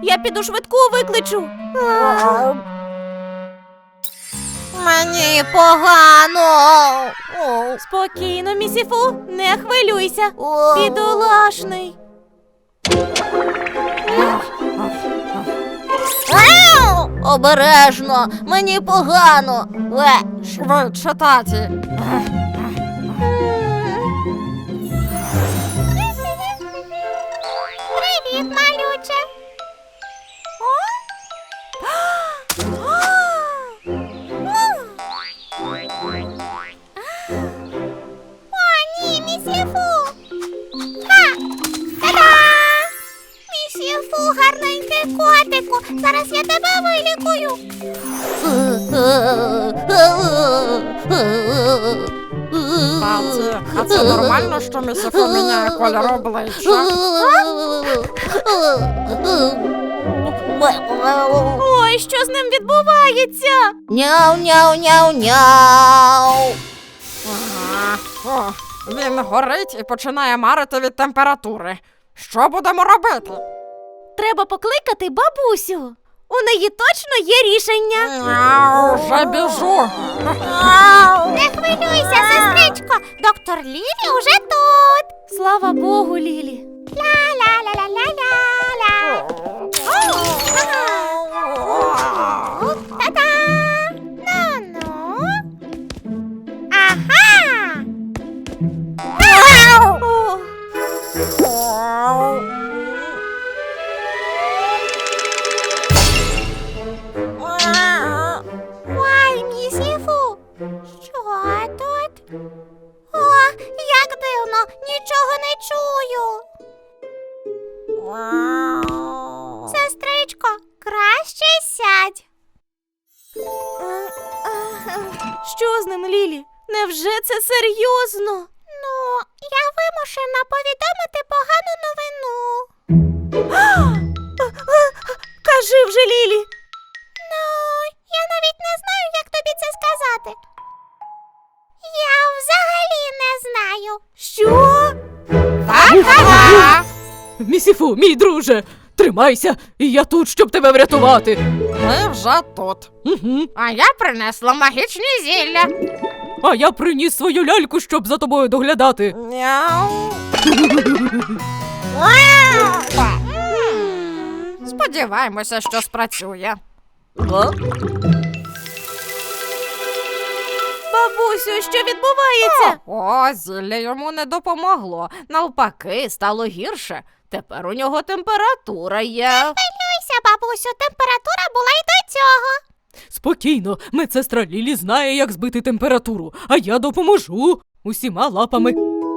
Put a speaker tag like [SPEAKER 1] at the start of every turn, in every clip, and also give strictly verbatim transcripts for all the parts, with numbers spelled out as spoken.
[SPEAKER 1] Я піду швидку викличу.
[SPEAKER 2] Мені погано.
[SPEAKER 1] Спокійно, місіфу, не хвилюйся. Бідолашний.
[SPEAKER 2] Обережно, мені погано. Е,
[SPEAKER 3] Швидше, таті.
[SPEAKER 2] Привіт, малюче. О, ні, місіфу. Ха! Та-да! Місіфу, гарненький котику. Зараз я тебе вилікую.
[SPEAKER 3] Таті, а це нормально, що місіфу міняє колір обличчя?
[SPEAKER 1] Ой, що з ним відбувається?
[SPEAKER 2] Няу-няу-няу-няу.
[SPEAKER 3] Ага. О, він горить і починає марити від температури. Що будемо робити?
[SPEAKER 1] Треба покликати бабусю. У неї точно є рішення.
[SPEAKER 3] Мяу, вже біжу.
[SPEAKER 2] Не хвилюйся, сестричко. Доктор Лілі уже тут.
[SPEAKER 1] Слава Богу, Лілі.
[SPEAKER 2] Ла-ла-ла-ла-ла-ла-ла. Та-да! Ну-ну. Ага!
[SPEAKER 1] О,
[SPEAKER 2] Ой, місіфу. Що тут? О, як дивно, нічого не чую. Сестричко, краще сядь.
[SPEAKER 1] що з ним, Лілі? Невже це серйозно?
[SPEAKER 2] Ну, я вимушена повідомити погану новину.
[SPEAKER 1] Кажи вже, Лілі.
[SPEAKER 2] Ну, я навіть не знаю, як тобі це сказати. Я взагалі не знаю.
[SPEAKER 1] Що?
[SPEAKER 3] Та-та-та!
[SPEAKER 4] Місіфу, мій друже, тримайся, і я тут, щоб тебе врятувати.
[SPEAKER 3] Ми вже тут.
[SPEAKER 4] Угу.
[SPEAKER 3] А я принесла магічні зілля.
[SPEAKER 4] А я приніс свою ляльку, щоб за тобою доглядати.
[SPEAKER 3] Мяу. Сподіваємося, що спрацює.
[SPEAKER 1] Бабусю, що відбувається?
[SPEAKER 3] О, зілля йому не допомогло. Навпаки, стало гірше. Тепер у нього температура є.
[SPEAKER 2] Хвилюйся, бабусю, температура була й до цього.
[SPEAKER 4] Спокійно, медсестра Лілі знає, як збити температуру, а я допоможу усіма лапами.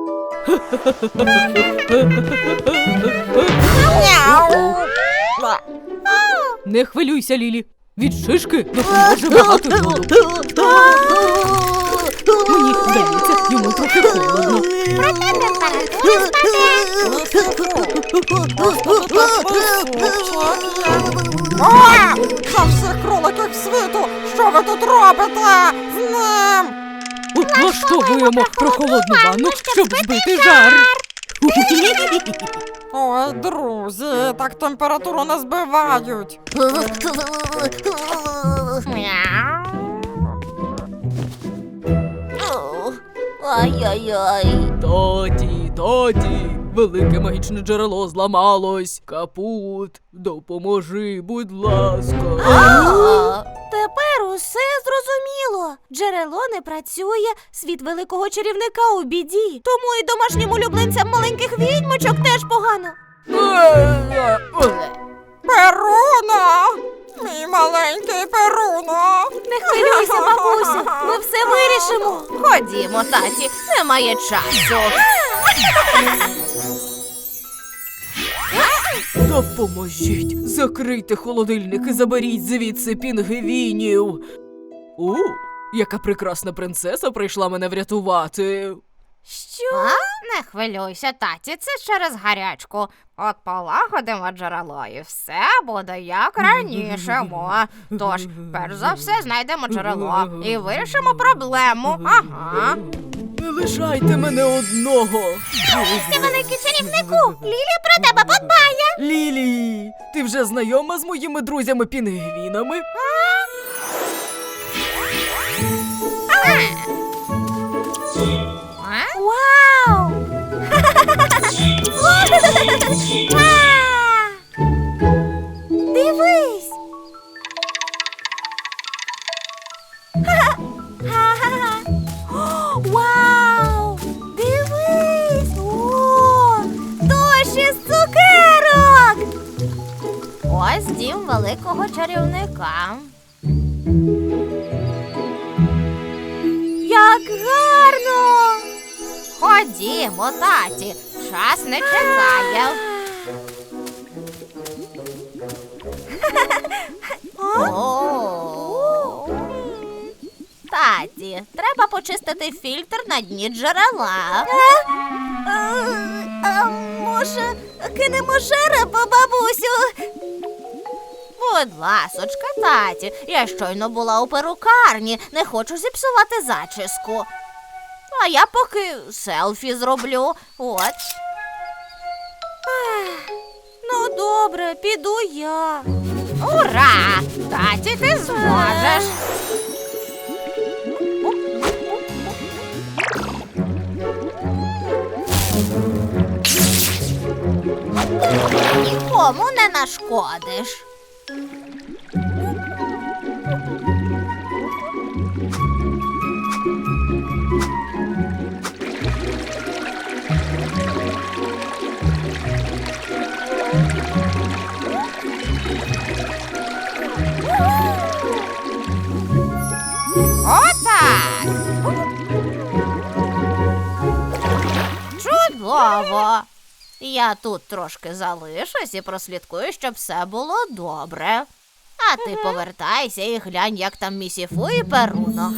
[SPEAKER 4] Не хвилюйся, Лілі. Від шишки допоможе багато льоду. Мені здається, йому трохи холодно.
[SPEAKER 2] Проте температура
[SPEAKER 3] О, за всіх кроликів світу! Що ви тут робите з ним?
[SPEAKER 4] От влаштовуємо прохолодну ванну, щоб збити жар.
[SPEAKER 3] Ой, друзі, так температуру не збивають.
[SPEAKER 2] Ай-яй-яй.
[SPEAKER 4] Таті, таті, велике магічне джерело зламалось. Капут, допоможи, будь ласка.
[SPEAKER 1] Тепер усе зрозуміло. Джерело не працює, світ великого чарівника у біді. Тому і домашнім улюбленцям маленьких відьмочок теж погано.
[SPEAKER 3] Перуно! Мій маленький Перуно!
[SPEAKER 1] Не хвилюйся, бабусю, ми все вирішимо.
[SPEAKER 2] Ходімо, таті, немає часу.
[SPEAKER 4] Допоможіть, закрийте холодильник і заберіть звідси пінгвінів. О, яка прекрасна принцеса прийшла мене врятувати.
[SPEAKER 1] Що?
[SPEAKER 3] Не хвилюйся, таті, це через гарячку. От полагодимо джерело і все буде як раніше. Мо. Тож, перш за все, знайдемо джерело і вирішимо проблему. Ага.
[SPEAKER 4] лишайте мене одного.
[SPEAKER 2] Ти великий чарівнику! Лілі про тебе подбає!
[SPEAKER 4] Лілі, ти вже знайома з моїми друзями-пінгвінами?
[SPEAKER 3] А?
[SPEAKER 1] Вау! Ва! Дивись! Ха-ха-ха! О, вау! Дивись! О! Дощ із цукерок!
[SPEAKER 3] Ось дім великого чарівника.
[SPEAKER 1] Як гарно!
[SPEAKER 3] Ходімо, таті, час не чекає. О. Таті, треба почистити фільтр на дні джерела.
[SPEAKER 1] А, а може, кинемо жереб, бабусю?
[SPEAKER 3] Будь ласочка, таті, я щойно була у перукарні, не хочу зіпсувати зачіску. А я поки селфі зроблю. От.
[SPEAKER 1] Ну, добре, піду я.
[SPEAKER 3] Ура! Таті, ти зможеш. Нікому не нашкодиш. Отак. Чудово. Я тут трошки залишусь і прослідкую, щоб все було добре. А ти повертайся і глянь, як там Місіфу і Перуно.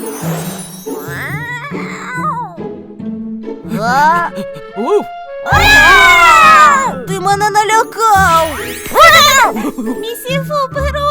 [SPEAKER 1] А?
[SPEAKER 4] Уф!
[SPEAKER 1] Ти мене налякав! Місіфу, Перуно!